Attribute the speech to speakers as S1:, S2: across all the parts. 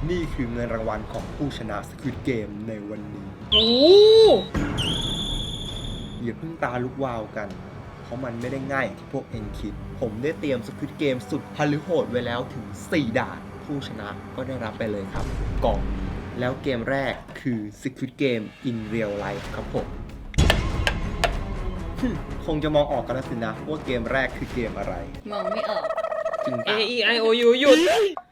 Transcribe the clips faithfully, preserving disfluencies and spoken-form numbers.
S1: นี่คือเงินรางวัลของผู้ชนะ Squid Game ในวันนี้
S2: โอ้
S1: อย่าเพิ่งตาลุกวาวกัน เพราะมันไม่ได้ง่ายอย่างที่พวกเอ็นคิด ผมได้เตรียม Squid Game สุดฮาลือโหดไว้แล้วถึงสี่ด่านผู้ชนะก็ได้รับไปเลยครับกล่องนี้แล้วเกมแรกคือ Squid Game in Real Life ครับผม คงจะมองออกกันแล้วสินะว่าเกมแรกคือเกมอะไร
S2: มองไม่ออก
S1: จริง
S3: A
S1: ปะ
S3: E I O U หยุด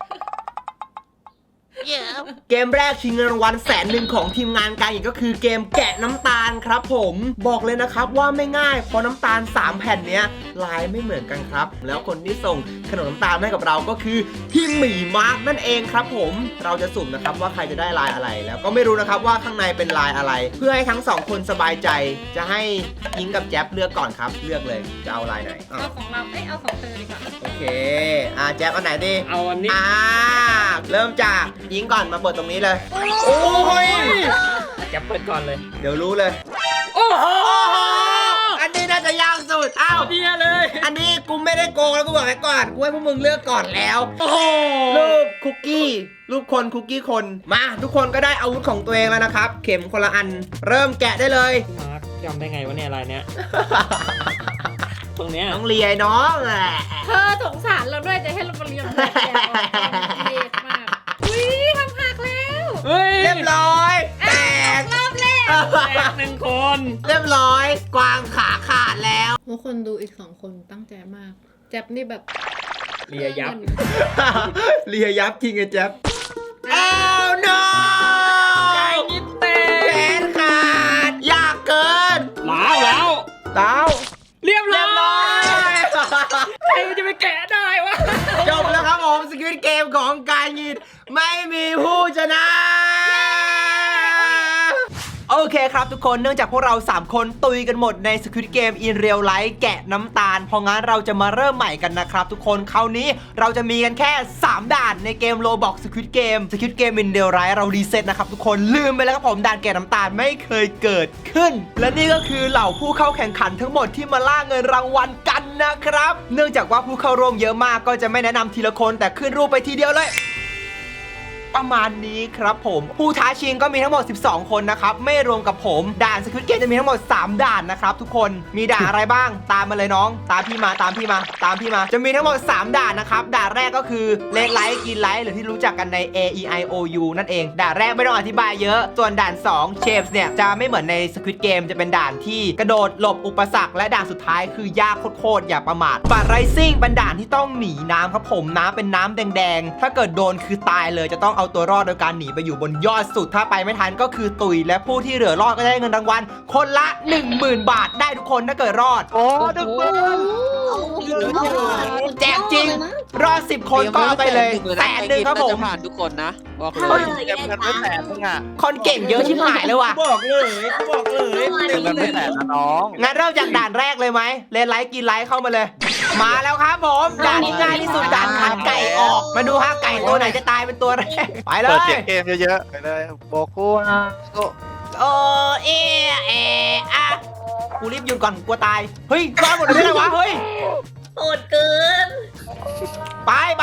S1: เกมแรกชิงเงินรางวัลแสนหนึ่งของทีมงานการอีกก็คือเกมแกะน้ำตาลครับผมบอกเลยนะครับว่าไม่ง่ายเพราะน้ำตาลสามแผ่นเนี้ยลายไม่เหมือนกันครับแล้วคนที่ส่งขนมน้ำตาลให้กับเราก็คือพี่หมีมาร์กนั่นเองครับผมเราจะสุ่มนะครับว่าใครจะได้ลายอะไรแล้วก็ไม่รู้นะครับว่าข้างในเป็นลายอะไร เพื่อให้ทั้งสองคนสบายใจจะให้ยิงกับแจ๊บเลือกก่อนครับเลือกเลยจะเอาลายไหนอ้า
S2: เอา
S1: ว
S2: ของเรา เอ้ย เอาของเธอดีกว่า
S1: โอเคอ่าแจ๊บเอาไหนดี
S3: เอาอันนี้
S1: อ่าเริ่มจากยิงก่อนมาเปิดตรงนี้เลยโอ้ย
S3: จะเปิดก่อนเลย
S1: เดี๋ยวรู้เลย
S3: โอ้โห
S1: อันนี้น่าจะยากสุดอ้าว
S3: เดียเลย
S1: อันนี้กูไม่ได้โกงแล้วกูบอกไว้ก่อนกูให้พวกมึงเลือกก่อนแล้ว
S3: โอ้โห
S1: รูปคุกกี้รูปคนคุกกี้คนมาทุกคนก็ได้อาวุธของตัวเองแล้วนะครับเข็มคนละอันเริ่มแกะได้เลย
S3: มาร์คจำได้ไงวะเนี่ยอะไรเนี้ย ตรงเนี้ย
S1: น้องเลียน้องแหละ
S2: เธอสงสารเราด้วยจะให้เรามาเรียนแบบเดียวเด็กมาก อุ้ยทำหักแล้ว
S3: เฮ้ย
S1: เรียบร้อยแตก
S2: รอบแรก
S3: แตกหนึ่งคน
S1: เรียบร้อยกวางขาขาดแล้ว
S2: ทุกคนดูอีกสองคนตั้งใจมาก แจ็บนี่แบบ
S3: เลียยับ
S1: เลียยับจริงไอ้แจ๊บอ้าว no
S3: ไก่ยิบเตะ
S1: แขนขาดยากเกิน
S3: แล้วแล้ว
S1: เต้า
S3: เรียบ
S1: เรี
S3: ร้
S1: ยบร้
S3: อ
S1: อย ย
S3: ใครมันจะไปแกะได้วะ
S1: จบแล้วครับผมสควิดเกมของการยินไม่มีผู้ชนะ โอเคครับทุกคนเนื่องจากพวกเราสามคนตุยกันหมดใน Squid Game in Real Life แกะน้ำตาลเพราะงั้นเราจะมาเริ่มใหม่กันนะครับทุกคนคราวนี้เราจะมีกันแค่สามด่านในเกม Roblox Squid Game Squid Game in Real Life เรารีเซ็ตนะครับทุกคนลืมไปแล้วครับผมด่านแกะน้ำตาลไม่เคยเกิดขึ้น และนี่ก็คือเหล่าผู้เข้าแข่งขันทั้งหมดที่มาล่าเงินรางวัลกันนะครับเนื่องจากว่าผู้เข้าร่วมเยอะมากก็จะไม่แนะนำทีละคนแต่ขึ้นรูปไปทีเดียวเลยประมาณนี้ครับผมผู้ท้าชิงก็มีทั้งหมดสิบสองคนนะครับไม่รวมกับผมด่าน Squid Game จะมีทั้งหมดสามด่านนะครับทุกคนมีด่านอะไรบ้างตามมาเลยน้องตามพี่มาตามพี่มาตามพี่มาจะมีทั้งหมดสามด่านนะครับด่านแรกก็คือเลดไลท์กินไลท์หรือที่รู้จักกันใน A E I O U นั่นเองด่านแรกไม่ต้องอธิบายเยอะส่วนด่านสอง Shapes เนี่ยจะไม่เหมือนใน Squid Game จะเป็นด่านที่กระโดดหลบอุปสรรคและด่านสุดท้ายคือยากโคตรๆอย่าประมาทบัตรไรซิ่งเป็นด่านที่ต้องหนีน้ำครับผมน้ำเป็นน้ำแดงๆถ้าเกิดโดนคือตายเลยจะต้องเอาตัวรอดโดยการหนีไปอยู่บนยอดสุดถ้าไปไม่ทันก็คือตุยและผู้ที่เหลือรอดก็ได้เงินรางวัลคนละ หนึ่งหมื่น บาทได้ทุกคนถ้าเกิดรอดโอ้ดึกแจกจริงรอดสิบคนก็เอาไปเลยแสนหนึ่งครับผม
S4: ผ่านทุกคนนะบอกเล
S5: เฮ้ย
S4: ย
S5: เก็บเงินไว้แสนนึงอ่ะ
S1: คนเก่งเยอะชิบหายเลยว่ะ
S3: บอกเลยบอกเลย
S5: เก็บเงินไว้แสนนะน้อง
S1: งั้นเริ่มจากด่านแรกเลยไหมเลนไลท์กินไลท์เข้ามาเลย มาแล้วครับผมด่านที่ง่ายที่สุดด่านขันไก่ออกมาดูฮะไก่ตัวไหนจะตายเป็นตัวแรกไปเล
S5: เปิด
S1: ย
S5: เสียงเกมเยอะๆไปเลยโบกูนะโอ้
S1: โอเอเออะกูรีบหยุดก่อนกลัวตายเฮ้ยรอดหมดเลยได้ไงวะเฮ้ย
S2: โหดเกิน
S1: ไปไป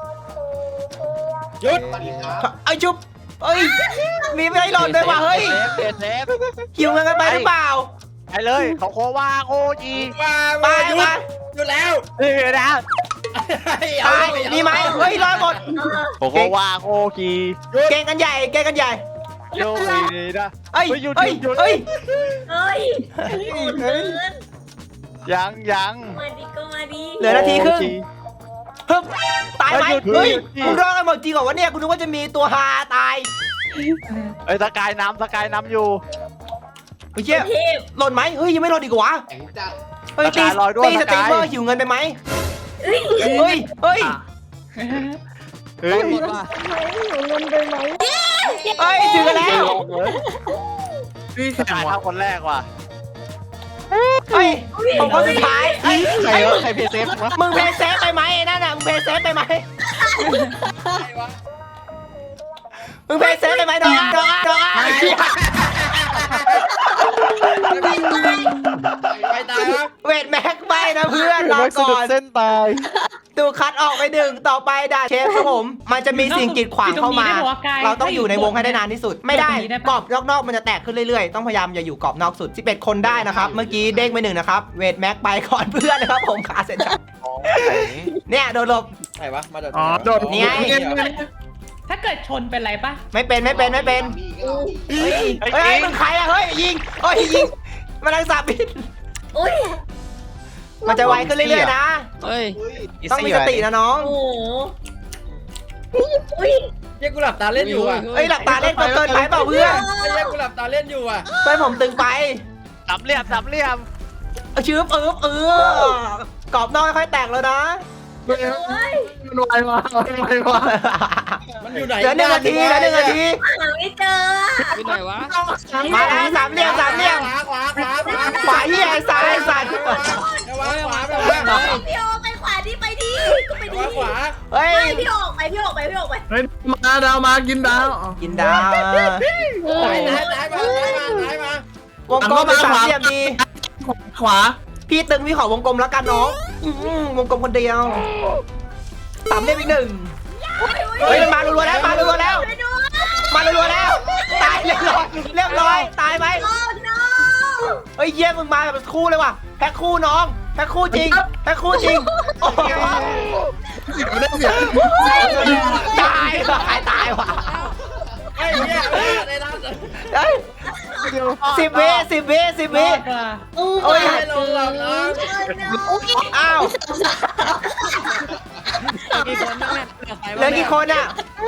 S3: หยุด
S1: ไอ้ยจุ๊บเอ้ยมีไม่ให้หล่นด้วยว่ะเฮ้ย
S5: เปลี่ยนเซฟ
S1: หิวเงินกันไปหรือเปล่า
S5: ไปเลยเขาโคว่าโคจี
S3: มา
S1: ไป
S3: หยุ
S1: ไป
S3: ดหยุดแล้ว
S5: เฮ้ยนะ
S1: ตายมีไหมเฮ้ยรอดหมด
S5: โคโคว่าโคจี
S1: เก่งกันใหญ่เก่งกันใหญ่
S5: โยนีนะ
S1: เอ้ย
S5: หยุด
S1: เอ้ย
S5: หยุด
S1: เอ้ย
S2: เฮ้ยโหดเกิน
S5: ยังยัง
S2: มาดีก็มาดี
S1: เหลือนาทีครึ่ง
S5: โอจี
S1: ฮึบตายไหม
S5: หยุด
S1: เฮ้ย
S5: หยุดหยุด
S1: มึงรอดกันหมดจริงเหรอวะเนี่ยกูนึกว่าจะมีตัวฮาตาย
S5: เอ้ยสกายน้ำสกายน้ำอยู่
S1: เฮ้ยเชี่ย
S2: เทพ
S1: หล่นไหมเฮ้ยยังไม่หล่นอีกเหรอวะเฮ้ย
S5: ส
S1: ตี
S5: กายลอยด้วย
S1: ตีส
S5: ส
S1: ตรี
S5: กาม ย
S1: เมอร์หิวเงินไปไหมเฮ้ยเฮ้ย
S5: เฮ้ย
S1: เฮ้ยถึงกันแล้ว
S5: นี่สกายทำคนแรกว่ะ
S1: เฮ้ยผมคนสุดท้ายเฮ้ย
S5: ใคร
S1: เฮ้ยว
S5: ะใครเพย์เซฟวะ
S1: มึงเพย์เซฟไปไหมไอ้นั่นน่ะมึงเพย์เซฟไปไหมมึงเพย์เซฟไปไหมน้องน้องน้อง
S3: ไปตายครับ
S1: เวทแม็กไปนะเพื่อนรอ
S5: ไม่สะ
S1: ก่
S5: ดุ
S1: อ
S5: ด
S1: น
S5: เส้นตาย
S1: ตูคัดออกไปหนึ่งต่อไปด่าเชฟครับผมมันจะมีสิ่งกีดขวางเข้ามา เราต้องอยู่ในวงให้ได้นานที่สุดไม่ได้กรอบนอกๆมันจะแตกขึ้นเรื่อยๆต้องพยายามอย่าอยู่กรอบนอกสุดสิบเอ็ดคนได้นะครับเมื่อกี้เด้งไปหนึ่งนะครับเวทแม็กไปก่อนเพื่อนนะครับผมขาเสร็จแล้วเนี่ยโดนหลบ
S4: ไหนวะมาโดด
S5: อ๋อโดด
S1: นี่ไง
S2: ถ้าเกิดชนเป็นไรปะ
S1: ไม่เป็นไม่เป็นไม่เป็นเฮ้ยเฮ้ยมึงใครอะเฮ้ยยิงเฮ้ยยิงมันรังสาบิน
S6: อุ้ย
S1: มันจะไวขึ้นเรื่อยๆนะ
S3: เฮ้ย
S1: ต้องมีสตินะน้อง
S6: โอ้โหอุ้ย
S4: เฮ้ยกูหลับตาเล่นอยู่อ่ะ
S1: เอ้ยหลับตาเล่นก็เกินไปเปล่าเพื่อน
S4: เฮ้ยกูหลับตาเล่นอยู่อ่ะ
S1: เพื่อนผมตึงไป
S5: สามเหลี่ยมสามเหลี่ยม
S1: เอาชื้อเอิบเออกรอบนอกค่อยๆแตกแล้วนะ
S5: มันไวมามันไวมา
S4: มันอยู่ไหน
S1: เหลือหนึ่งนาทีเหลือหนึ่งนาที
S6: หาไม่เจอ
S3: อยู่ไหนวะ
S1: มาแล้วสามเหลี่ยมสามเหลี่ยม
S4: ขวาขวาขวาขวา
S1: ขวาที่ไอ้ซ้ายไอ้สัตว์
S4: ขวาขวาขวาขวา
S6: พี่โอไปขวาดิไปดิก็ไปดิ
S4: ขวา
S1: เฮ้ย
S6: ไม่พี่โอออกไปพี่โอออกไปพี่โอออกไป
S5: เฮ้ยมาดาวมากินดาว
S1: กินดาว
S4: ตายตายตายมาตายมาตายมาว
S1: งกลมเป็นสามเหลี่ยมดี
S5: ขวา
S1: พี่ตึงพี่ขอวงกลมแล้วกันน้องอื้อหือวงกลมคนเดียวสามเหลี่ยมอีกหนึ่งเฮ้ยมันมารัวๆแล้วมารัวๆแล้ว
S6: ไปดู
S1: มารัวๆแล้ว ตายเรียบร้อยเรียบร้อยตายไหม
S6: โอ้ no
S1: เฮ้ยเยี่ยมมึงมาแบบคู่เลยว่ะแพ็คคู่น้องแพ็คคู่จริงแพ็คคู่จริงโอ้โห
S5: ไม่ได้เสีย
S1: ตายว่ะตายตายว่ะ
S4: ไอ้เนี่ยในร้าน
S1: เฮ้ยสิบวิสิบวิสิบวิ
S6: โอ้
S1: โอ้ย
S4: ไม่ลงหลับนะ
S1: อ้าว
S3: กี่คนนั่นแหละ
S1: เหลือกี่คนอ่ะ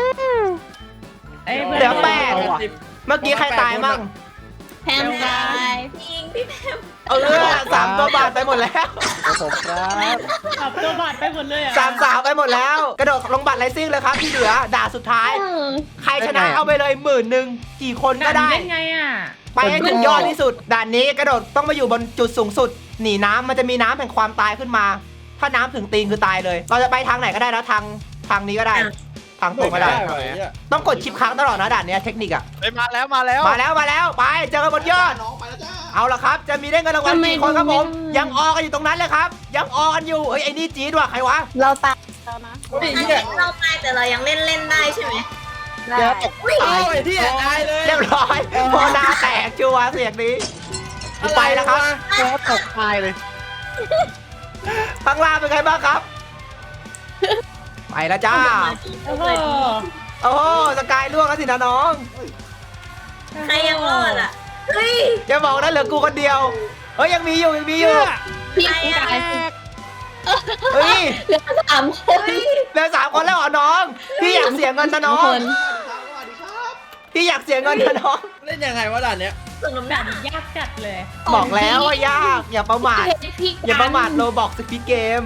S1: เหลือแปด เมื่อกี้ใครตายมั่ง
S6: แพมตายพี่อิงพี่แพม
S1: เออสามตัวบาทไปหมดแล้ว
S5: ผมครับ
S2: ขับตัวบาดไปหมดเลยอ่ะ
S1: สามสาวไปหมดแล้ว กระโดดลงบัตรไรซิ่งเลยครับที่เหลือด่าสุดท้าย ใครชนะเอาไปเลยหมื่นหนึ่งกี่คนก็ได้
S2: เล่นไงอ่ะ
S1: ไปให้ถึงยอดที่สุด ด่านนี้กระโดดต้องมาอยู่บนจุดสูงสุด หนีน้ำมันจะมีน้ำแห่งความตายขึ้นมา ถ้าน้ำถึงตีนคือตายเลย เราจะไปทางไหนก็ได้นะทางทางนี้ก็ได้ ทางตรงก็ได้ ต้องกดชิปค้างตลอดนะด่านเนี้ยเทคนิคอะ
S5: เฮ้ยมาแล้วมาแล้ว
S1: มาแล้วมาแล้วไปเจอกันบนยอด เอาละครับ จะมีได้เงินรางวัลกี่คนครับผม ยังออกันอยู่ตรงนั้นเลยครับ ยังออกันอยู่เฮ้ยไอ้นี่จี๊ดว่ะใครวะ
S6: เราตายแล้วนะ
S4: โอ้ยเนี่ย
S6: เราตายแต่เรายังเล่นเล่นได้ใช่ไหม
S5: เดี๋ยวตก
S6: อุ้ย
S4: โอ้ยที่ตายเลย
S1: เรียบร้อยโมนาแตกชัวร์เสียงนี้กูไปแล้วครับ
S5: เดี๋ยวตกตายเลย
S1: ข้างล่างเป็นไงบ้างครับ ไปแล้วจ้า
S2: โอ้โห
S1: โอ้โหสกายล่วงแล้วสินะน้อง
S6: ใครยังรอดอ่ะเฮ้ย
S1: อย่าบอกนะเหลือกูคนเดียว เฮ้ยยังมีอยู่ยังมีอยู่
S6: พี่ตาย
S1: เฮ้ย
S6: เหลือสามคน
S1: เหลือสามคนแล้วเหรอน้อง พี่อยากเสียเงินนะน้อง พี่อยากเสียเงินนะน้อง
S4: เล่นยังไงวะด่านเนี้ย
S6: ส่งน้ำหนั
S2: ด่าก นยากจัดเลย
S1: บอกแล้วว่ายาก อย่าประมาท
S6: พี่
S1: อย่าประมาทโลบอกสปีดเกม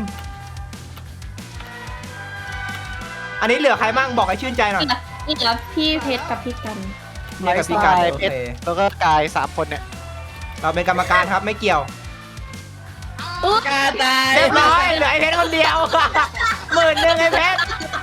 S1: อันนี้เหลือใครมั่งบอกให้ชื่นใจหน่อย
S6: นี่ครับพี่เพชรกับพี่กัน
S1: นี่กับพี่การ
S5: ไลฟ์
S1: โอ
S5: เพช
S1: เค
S5: รแล้วก็กายสามคนเนี่ย
S1: เราเป็นกรรมการครับไม่เกี่ยว
S4: กาตาย
S1: เรียบร้อยเหลือไอ้เพชรคนเดียว หมื่นหนึ่งไอ้เพชร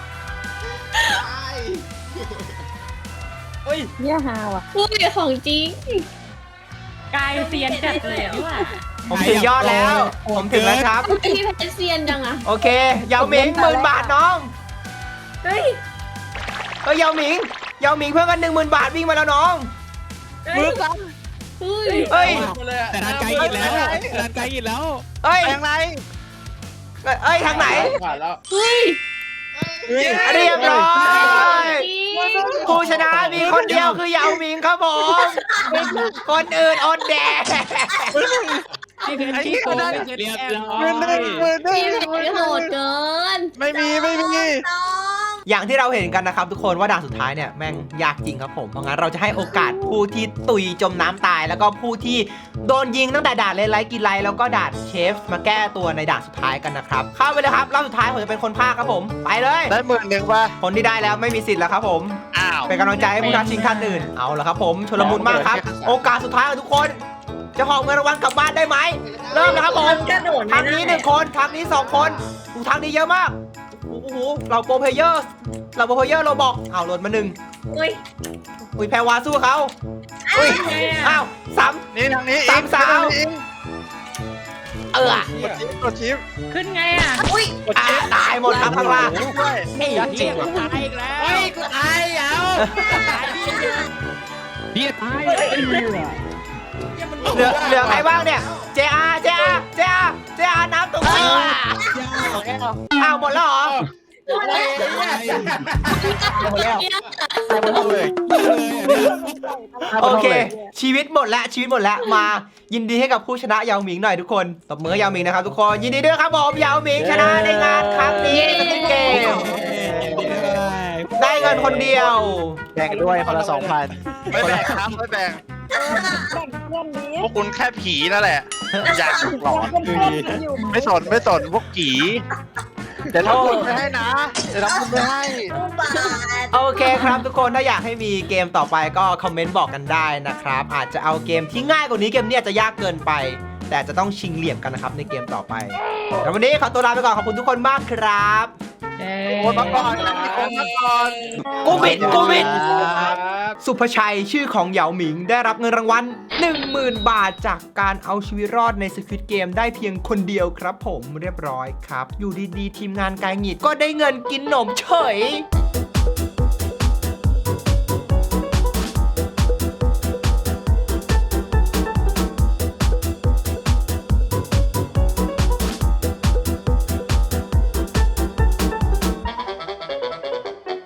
S4: เฮ้ย
S6: เนี่ยฮาว่ะอุ้ยของจริง
S2: กายเซียนจัดเลยอ่ะพี่ว่า
S1: ผมถึงยอดแล้ว ผมถึงแล้วครับ
S6: พี่เพชรเซียนจังอะ
S1: โอเคยาวหมิงหมื่นบาทน้อง
S6: เฮ้ย
S1: เฮ้ยยาวหมิงยาวหมิงเพื่อนกันหนึ่งหมื่นบาทวิ่งมาแล้วน้อง
S5: มือกัน
S6: เฮ้ย
S1: เฮ้ย
S4: แต่ทางไกลกินแล้ว
S5: ร่างกายกินแล้ว
S1: เฮ้ย
S5: แทงไร
S1: เอ้ยทางไหน
S4: ผ่านแล้ว
S6: เฮ้ย
S1: เรียบร้อยผู้ชนะมีคนเดียวคือยาวหมิงครับผม คนอื่นอดแดก
S3: พี่เพชรขี้โกงไม่เคยเรียบร้อ
S5: มือหนึ่ง
S3: ย
S5: มือหนึ่ง
S6: พี่เพชรโหดเกิน
S5: ไม่มีไม่มี
S6: น้อง
S1: อย่างที่เราเห็นกันนะครับทุกคนว่าด่านสุดท้ายเนี่ยแม่งยากจริงครับผมเพราะงั้นเราจะให้โอกาสผู้ที่ตุยจมน้ำตาย แล้วก็ผู้ที่โดนยิงตั้งแต่ด่านเลนไลท์กินไลท์แล้วก็ด่านเชฟมาแก้ตัวในด่านสุดท้ายกันนะครับเข้าไปเลยครับรอบสุดท้ายผมจะเป็นคนพากย์ครับผมไปเลย
S5: ได้หมื่นหนึ่งป่ะ
S1: คนที่ได้แล้วไม่มีสิทธิ์แล้วครับผม
S5: อ้าว
S1: เป็นกำลังใจให้ผู้ท้าชิงท่านอื่นเอาละครับผมชลมุนมากครับ โอกาสสุดท้ายของทุกคน จะหอบเงินรางวัลกลับบ้านได้ไหมเริ่มนะครับผม
S6: กระโดด
S1: ทางนี้หนึ่งคนทางนี้สองคนอูทางนี้เยอะมากโอ้โหเราโปรเพลเยอร์เราโปรเพลเยอร์เราบอกอ้าวหล่นมาหนึ่ง
S6: อุ้ย
S1: อุ้ยแพรวาสู้เขาอุ้ยอ้าวซ้
S5: นี่ทางนี้
S1: สามสาว
S5: อีก
S1: เออ
S5: กดชิปกดชิป
S2: ขึ้นไงอ่ะ
S6: อุ้ย
S5: กด
S1: อ่ะ
S5: ชิป
S1: ตายหมดครับข้างล่าง
S5: ด้วย
S1: ไอ้จริงว่ะ
S4: ตายอีกแล้วเฮ้ยกูตายเอา
S3: พี่ตาย
S1: เหลือเหลือใครบ้างเนี่ย เจอาเจอาเจอาเจอาน้ำตกเอออ้าวหมดแล้วเหรอ โอเค ชีวิตหมดแล้วชีวิตหมดแล้วมายินดีให้กับผู้ชนะยาวหมิงหน่อยทุกคนตบมือให้ยาวหมิงนะครับทุกคนยินดีด้วยครับผมยาวหมิงชนะในงานครั้งนี้ในเกมได้เงินคนเดียว
S5: แบ่งด้วยคนละสองพันไม่แบ่งครับไม่แบ่งพวกคุณแค่ผีนั่นแหละอยากหลอนไม่สนไม่สนพวกผีเดี๋ยวทำบุญไปให้นะเดี๋ยวทำบุญไปให้
S1: โอเคครับทุกคนถ้าอยากให้มีเกมต่อไปก็คอมเมนต์บอกกันได้นะครับอาจจะเอาเกมที่ง่ายกว่านี้เกมนี้อาจจะยากเกินไป แต่จะต้องชิงเหลี่ยมกันนะครับในเกมต่อไปแล้ววันนี้ขอตัวลาไปก่อนขอบคุณทุกคนมากครับ
S5: โอนมาก่อนโอนมาก่อน
S1: กูบิดกูบิด
S4: ครับ
S1: สุภชัยชื่อของเหยาหมิงได้รับเงินรางวัล หนึ่งหมื่น บาทจากการเอาชีวิตรอดใน Squid Game ได้เพียงคนเดียวครับผมเรียบร้อยครับ อยู่ดีๆ ทีมงานกายหงิดก็ได้เงินกินหนมเฉย